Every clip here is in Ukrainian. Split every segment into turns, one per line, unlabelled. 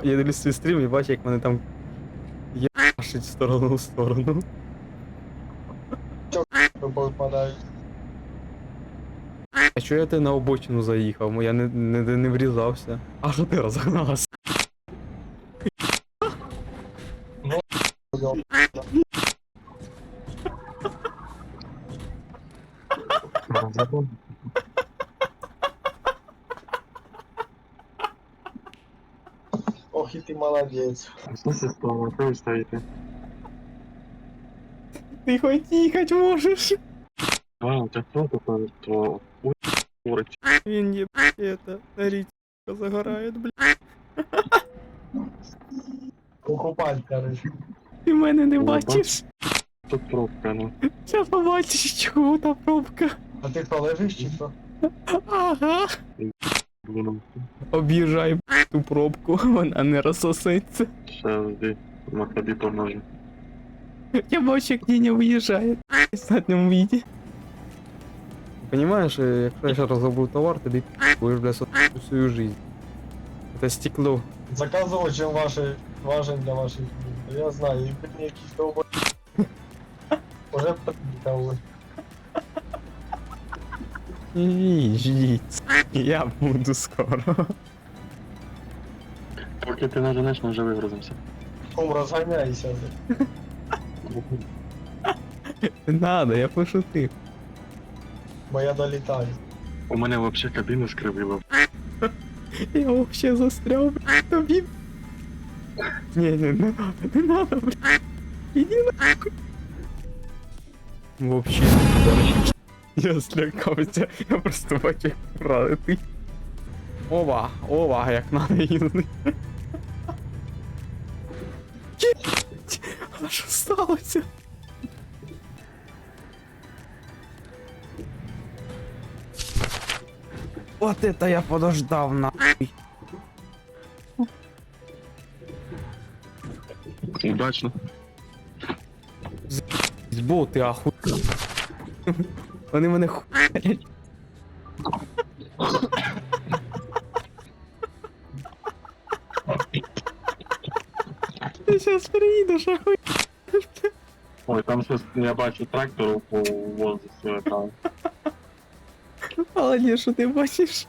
Я дивлюсь свій стрім і бачу, як мене там єбашить в сторону в сторону.
Попадають.
А чого я ти на обочину заїхав? Я не врізався. А що ти розгнався?
Ох, і ти молодець.
Що це стало? Що ви стоїте?
Ти хоч їхати можеш.
А, так що таке? То курить.
Він є это, на річка загорає, бля.
Покупать, короче.
Ти мене не
О,
бачиш.
Тут пробка, ну.
Зараз побачиш, чого та пробка.
А ти хто лежиш чи хто?
Ага.
Блин,
Об'їжджай ту пробку, вона не розсосеться.
ще жди. На тобі поможу.
Я бачу, як Діня виїжджає в задньому віді. Понимаешь, якщо я ще розробив товар, тобі будеш, бля, всю свою жизнь. Это стекло.
Заказував, чим важен для ваших людей. Я знаю, і мені якісь довбо... Уже приїхали.
Ждіть. Я буду скоро.
Поки ти наженеш, ми вже вигрузимося.
Ком розганяйся.
Не надо, я пошутив.
Бо я долітаю.
У мене взагалі кабіну скривило.
Я вообще застряв, бля, тобі. Не надо, бля. Іди нахуй. Вообще, я злякався, я просто бачу, як пролетить. Ова, як надо їздити. Єбать, а що сталося? Вот это я подождав, нахуй.
Удачно.
Збол, ти аху. Вони мене хуярять. Ти щас приїдеш, ахуй.
Ой, там щось, я бачу трактор по воздуху там.
Але ні, що ти бачиш?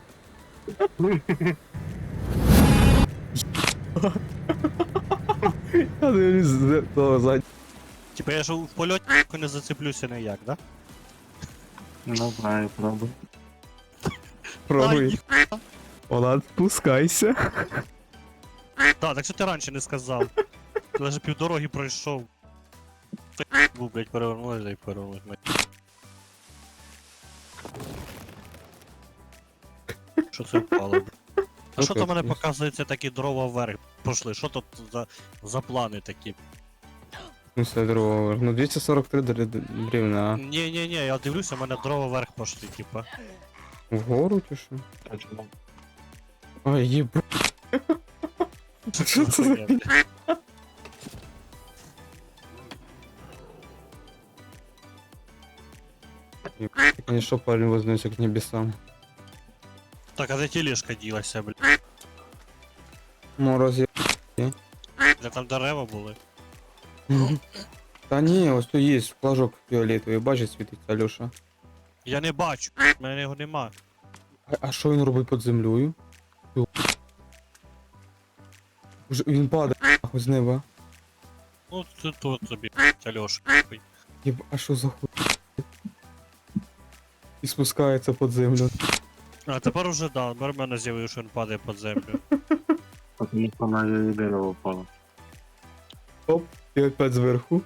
Я дивлюсь з того заднього.
Типа я ж в польоті не зацеплюся ніяк, да?
Не знаю, правда.
Пробуй. Влад, спускайся.
Так, так що ти раніше не сказав? Ти навіть півдороги пройшов. Ти був, блядь, перевернули і перевернули. Що це впало, блядь? А що то в мене показується такі дрова вверх пошли? Що тут за плани такі?
Ну все, дрова. Ну 243 бревна.
Ні, я дивлюся, у мене дрова вверх пошли, типа.
Вгору чи що?
А чому?
Ой, єбу. Що це за
Хуйня, блядь.
Ты, конечно, парень вознесся к небесам.
Так, а де тележка ділася, блядь?
Мороз є.
Де там дерева були?
Та ні, ось тут є флажок фіолетовий, бачиш, світиться Альоша.
Я не бачу, в мене його нема.
А що він робить під землею? Уже він падає нахуй з неба.
Ну, це тут собі, Альош.
Єб, а що за хуй? І спускається під землю.
А тепер уже да, тепер в мене з'явив, що він падає під землю.
Тому що на її дерево впало.
Оп, і опять зверху.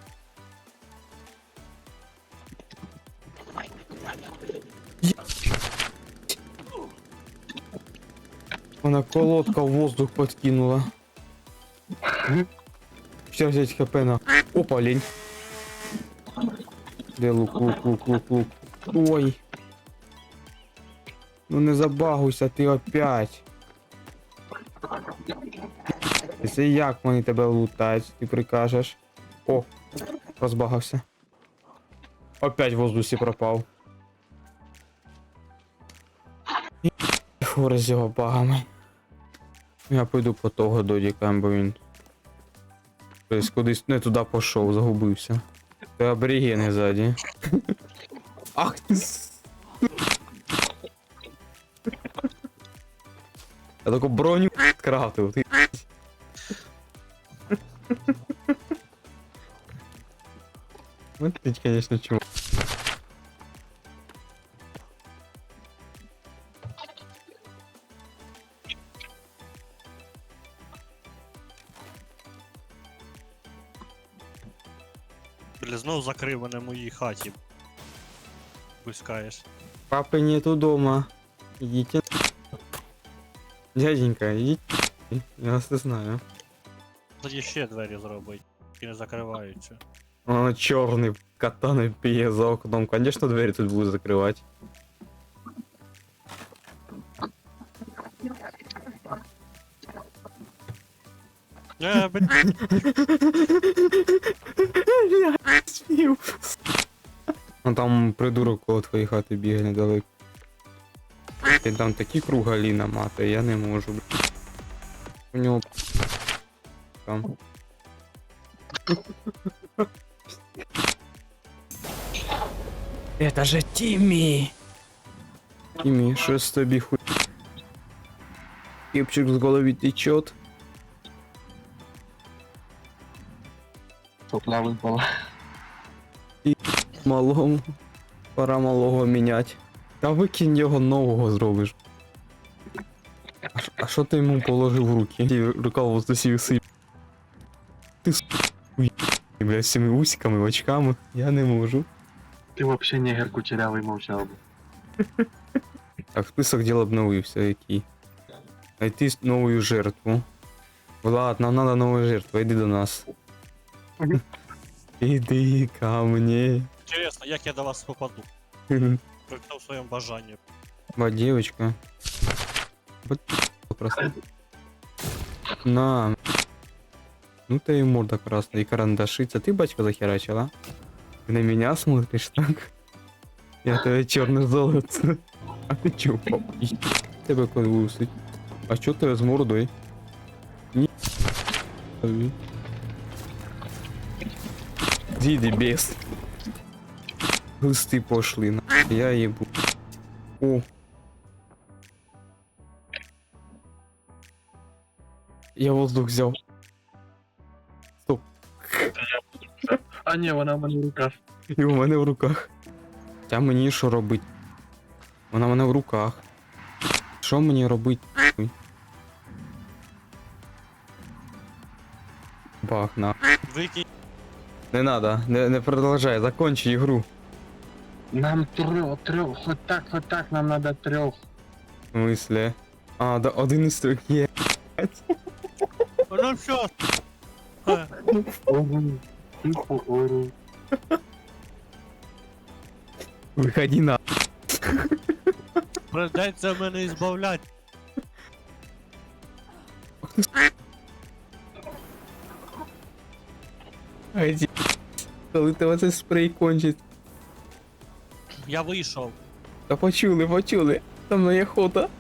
Вона колодка в воздух подкинула. Сейчас взять хп на. Опа, лень. Де лук. Ой. Ну не забагуйся ти опять. Це як вони тебе лутають, ти прикажеш. О, розбагався. Опять в воздусі пропав. Фури з його багами. Я пойду по того додіка, бо він. Тобто кудись не туди пішов, загубився. Це аборігени ззаді. Ах ти Я таку броню скрафтив, ти. Вот ты, конечно, чего.
Бля, знов закрив мене в моїй хаті. Пускаєш.
Папы нету дома. Идите. Дяденька, идите. Я вас не знаю.
Тоді ще двері зробить. І не закриваються.
Он черный катаной пье за окном. Конечно, двери тут будут закрывать.
Блін,
Ну там придурок коло твоєї хати бігає недалеко. Він там такі кругалі наматує, я не можу. У нього там. Это же Тимми! Тимми, що з тобі хуй? Кепчик з голови течет.
Сопля випала.
Малому. Пора малого мінять. Та викинь його нового зробиш. А що ти йому положив в руки? Ті рукавиці всі висип. Ти хуй, бля, з цими усиками, очками. Я не можу.
Ти вообще негер кучерявий мовчав би.
Так, список дел обновився, який. Найти новую жертву. Влад, нам надо новая жертва, иди до нас. Иди ко мне.
інтересно, як я до вас попаду? При тому своєму бажанні.
Ба, девочка. Вот просто. На. Ну ты и морда красная, и карандашица. Ты, батька, захерачила? Ты на меня смотришь так? Я твое черное золото. А ты чё, пап? Тебе колусить. А чё ты с мордой? Ни... Діді бес. Глисти пошли, на. Я ебу. О. Я воздух взяв. Стоп.
А ні, вона в мене в руках.
І у мене в руках. Та мені що робить? Вона в мене в руках. Що мені робить? Бах, на.
Викинь.
Не надо, не продолжай, закончи игру.
Нам трьох, хоть так, нам надо трьох.
В смысле? А, да, один із трьох є.
Ну все.
Тихо, ору.
Виходи на.
Придеться мене ізбавляти.
Айди. Коли тебе цей спрей кончить.
Я вийшов.
Та почули. Там на охота.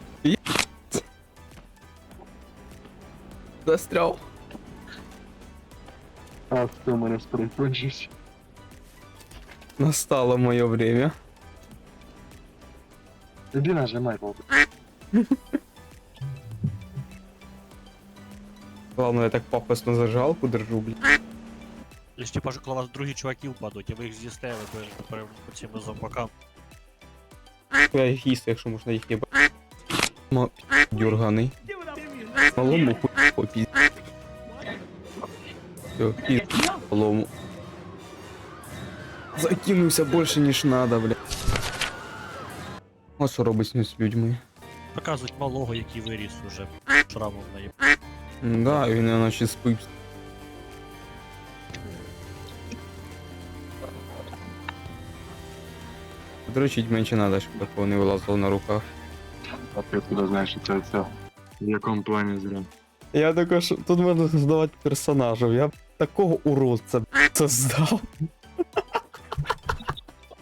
Застрял.
А хто мене сприкончиш?
Настало моє время.
Іди нажимай, бабу.
Ладно, я так пафосно зажигалку держу, блядь.
Лиш типа ж коли вас другі чуваки впадуть, і ви їх з'їсте, ви будете по цим зомбакам.
Я їх їсти, якщо можна їх їбати. Дюрганий. Малому хуй попі. Все, пі малому. Закинувся більше, ніж надо, бля. А що робить з людьми?
Показують малого, який виріс уже. Шрамом наїб.
Да, він наче спить. Дрочить менше надо, щоб такого не вилазило на руках.
А ти откуда знаєш, що це все? В якому плані зря?
Я також, тут можна создавати персонажів, я б такого уродця создав.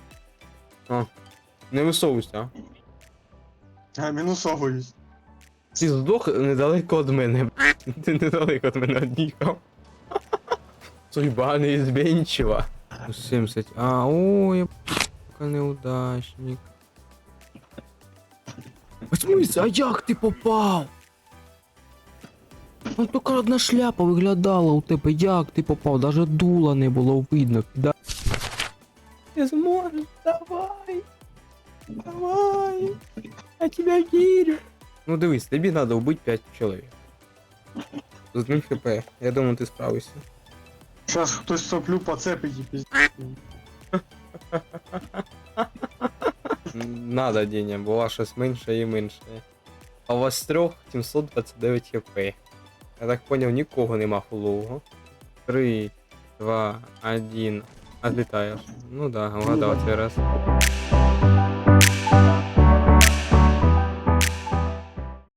А, не висовуйся, а.
А, мінусовуюсь.
Ти здох недалеко від мене, б***ь. Ти недалеко від мене од'їхав. Судьба неизменчива. 70. А, ой, б***ка, неудачник. В смысле, а як ти попав? Ну тільки одна шляпа виглядала у тебе, як ти попав, даже дула не було видно. Да. Ти зможеш, давай. Давай. Я тебе вірю. Ну дивись, тобі треба вбити 5 чоловік. З одним хп. Я думаю, ти справишся.
Зараз хтось соплю поцепить і пізд***.
Надо, Деня, була щось менше і менше. А у вас трьох 729 хп. Я так поняв, нікого нема фулового. 3, 2, 1. Отлітаєш. Ну да, вгадав цей раз.